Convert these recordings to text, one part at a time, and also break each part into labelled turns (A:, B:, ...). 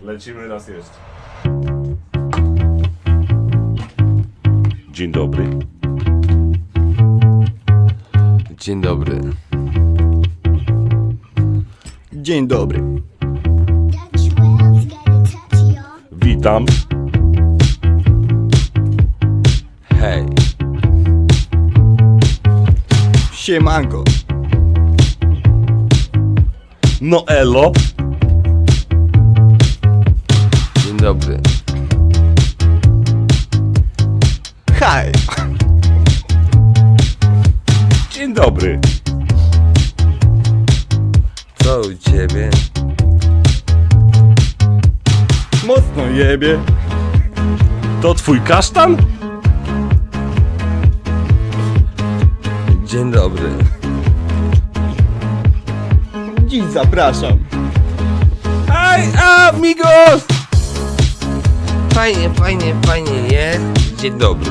A: Lecimy raz jeszcze. Dzień dobry.
B: Dzień dobry.
C: Dzień dobry.
A: Witam.
B: Hej.
C: Siemanko.
A: No elo.
B: Dzień dobry.
C: Hej.
A: Dzień dobry.
B: Co u ciebie?
C: Mocno jebie.
A: To twój kasztan?
B: Dzień dobry.
C: Dziś zapraszam.
A: Hej, amigos!
B: Fajnie jest. Dzień dobry.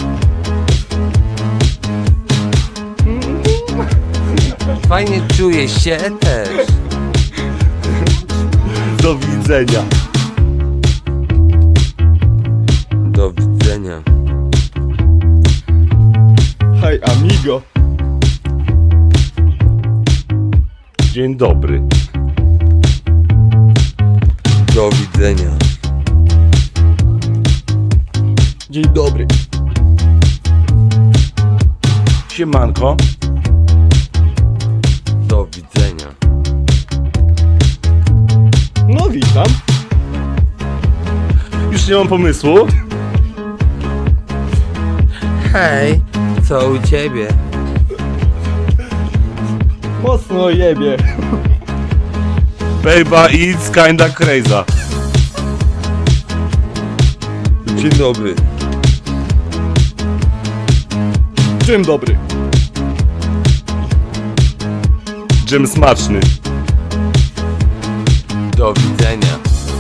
B: Fajnie czuję się też.
A: Do widzenia.
B: Do widzenia.
C: Hej amigo.
A: Dzień dobry.
B: Do widzenia.
C: Dzień dobry.
A: Siemanko.
B: Do widzenia.
C: No witam.
A: Już nie mam pomysłu.
B: Hej. Co u ciebie?
C: Mocno jebie.
A: Baby, it's kinda crazy.
B: Dzień dobry.
C: Dzień dobry.
A: Dżem smaczny.
B: Do widzenia.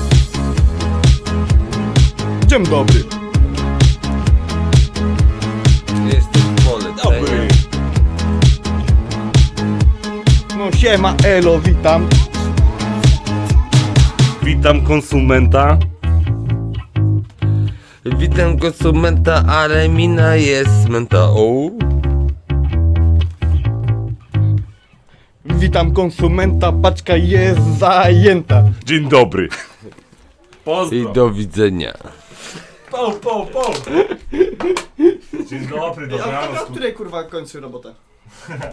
C: Dzień dobry.
B: Jestem w poleceniu.
C: No siema elo, witam.
A: Witam konsumenta.
B: Witam konsumenta, ale mina jest menta. O.
C: Witam konsumenta, paczka jest zajęta.
A: Dzień dobry.
B: I
A: Pozdro.
B: do widzenia.
A: Po. Dzień dobry, dobranoc.
C: której kurwa kończy robotę?